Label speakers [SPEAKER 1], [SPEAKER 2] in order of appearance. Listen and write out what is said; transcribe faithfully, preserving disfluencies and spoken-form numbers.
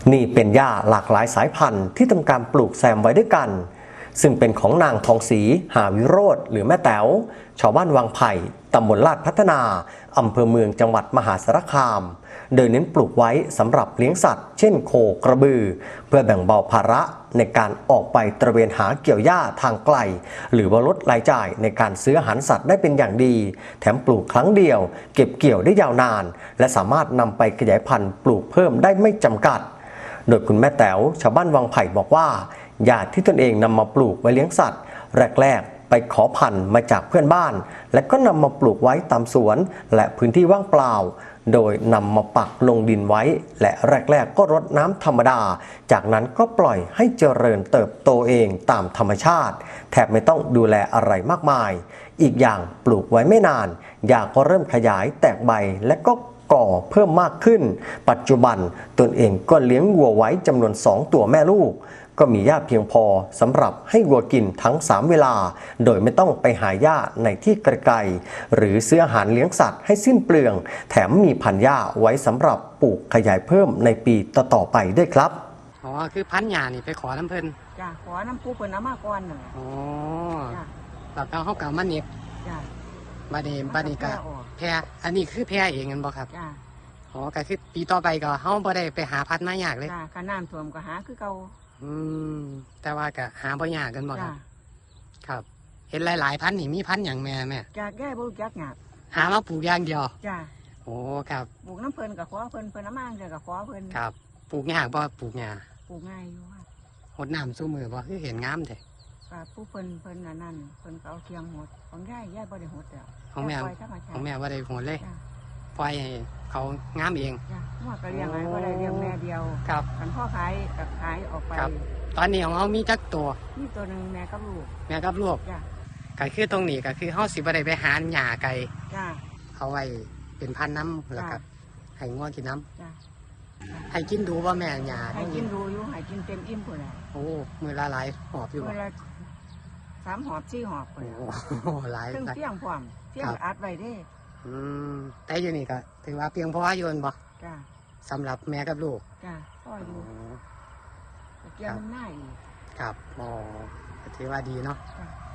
[SPEAKER 1] นี่เป็นหญ้าหลากหลายสายพันธุ์ที่ทำการปลูกแซมไว้ด้วยกันซึ่งเป็นของนางทองศรีหาวิโรจน์หรือแม่แต๋วชาวบ้านวังไผ่ตำบลลาดพัฒนาอำเภอเมืองจังหวัดมหาสารคามโดยเน้นปลูกไว้สำหรับเลี้ยงสัตว์เช่นโคกระบือเพื่อแบ่งเบาภาระในการออกไปตระเวนหาเกี่ยวหญ้าทางไกลหรือว่าลดรายจ่ายในการซื้ออาหารสัตว์ได้เป็นอย่างดีแถมปลูกครั้งเดียวเก็บเกี่ยวได้ยาวนานและสามารถนำไปขยายพันธุ์ปลูกเพิ่มได้ไม่จำกัดโดยคุณแม่แต๋วชาวบ้านวังไผ่บอกว่าหญ้าที่ตนเองนำมาปลูกไว้เลี้ยงสัตว์แรกๆไปขอพันธุ์มาจากเพื่อนบ้านและก็นำมาปลูกไว้ตามสวนและพื้นที่ว่างเปล่าโดยนำมาปักลงดินไว้และแรกๆก็รดน้ำธรรมดาจากนั้นก็ปล่อยให้เจริญเติบโตเองตามธรรมชาติแทบไม่ต้องดูแลอะไรมากมายอีกอย่างปลูกไว้ไม่นานหญ้าก็เริ่มขยายแตกใบและก็ก่อเพิ่มมากขึ้นปัจจุบันตนเองก็เลี้ยงวัวไว้จำนวนสองตัวแม่ลูกก็มีหญ้าเพียงพอสำหรับให้วัวกินทั้งสามเวลาโดยไม่ต้องไปหาหญ้าในที่ไกลๆหรือซื้ออาหารเลี้ยงสัตว์ให้สิ้นเปลืองแถมมีพันธุ์หญ้าไว้สำหรับปลูกขยายเพิ่มในปีต่อๆไปด้วยครับ
[SPEAKER 2] อ๋อคือพันธุ์หญ้านี่ไปขอน้ำเพิ่น
[SPEAKER 3] จ้ะขอน้ำปูเพิ่นเอามาก่อนน่ะ
[SPEAKER 2] อ๋อ
[SPEAKER 3] จ้ะ
[SPEAKER 2] แล้วก็เฮาก็มาเน็บ
[SPEAKER 3] จ้ะ
[SPEAKER 2] บัดนี้บัดนี้ก็แพร่อันนี้คือแพร่เองกันบ่ครับ
[SPEAKER 3] จ้ะ
[SPEAKER 2] อ๋อก็คือปีต่อไปก็เฮาบ่ได้ไปหาพันธุ์มายากเลย
[SPEAKER 3] จ้ะคันน้ำท่วมก็หาคือเก่า
[SPEAKER 2] อืมแต่ว่าก็หาบ่ยากกันบ่ครั
[SPEAKER 3] จ้ะ
[SPEAKER 2] บครับเห็นหลายๆพันธุ์นี่มีพันธุ์หยังแม่แม่
[SPEAKER 3] จ้ะแก้บ่รู้จักหยัง
[SPEAKER 2] หามาปลูกอย่างเดียว
[SPEAKER 3] จ้ะ
[SPEAKER 2] โอ้ครับ
[SPEAKER 3] ปลูกน้ำเพิ่นก็ขอเพิ่นเพิ่นเอามาจังก็ขอเพิ่น
[SPEAKER 2] ครับปลูกยากบ่ปลูกหญ้า
[SPEAKER 3] ปลูกง่ายอยู่ค่ะ
[SPEAKER 2] หดน้ำสู้มือบ่คือเห็นงามแท้
[SPEAKER 3] ก็ผู้เพิ่นเพิ่นอันนั้นเพิ่นก็เอาเคียงหดของยายยายบ่ได้หดแล้ว
[SPEAKER 2] ของแม่ของแม่บ่ได้โหดเลยปล่อยให้เขางามเอง
[SPEAKER 3] จ้ะหัวก็เลี้ยงไว้บ่ได้เลี้ยงแม่เดียว
[SPEAKER 2] ครับ
[SPEAKER 3] คันพ่อขายก็ขายออกไป
[SPEAKER 2] ตอนนี้ของเรามีจักตัว
[SPEAKER 3] มีตัวนึงแม่กับลูก
[SPEAKER 2] แม่กับลูก
[SPEAKER 3] จ้ะ
[SPEAKER 2] ก็คือตรงนี้ก็คือเฮาสิบ่ได้ไปหาหญ้าไก่
[SPEAKER 3] จ้ะ
[SPEAKER 2] เอาไว้เป็นพันธุ์น้ำแล้วก็ให้งัวกินน้
[SPEAKER 3] ำจ้ะ
[SPEAKER 2] ให้กินดูว่าแม่หญ้า
[SPEAKER 3] ให้กินดูอยู่ให้กินเต็มอิ่มพุ่นน่ะ
[SPEAKER 2] โอ้มื้อละหลายหอบอยู่
[SPEAKER 3] มื้อละสามหอบสี่หอบพุ่น
[SPEAKER 2] โอ้หลาย
[SPEAKER 3] ซึ่งเพียงพร้อมเพียงอัดไว้เด้
[SPEAKER 2] อืมแต่อยู่นี่ก็ถือว่าเพียงพออยู่บ่
[SPEAKER 3] จ้ะ
[SPEAKER 2] สำหรับแม่กับลูก
[SPEAKER 3] จ้ะพ่ออยู่เกี่ยวมันหน้าอีก
[SPEAKER 2] ครับอ๋อถือว่าดีเนาะ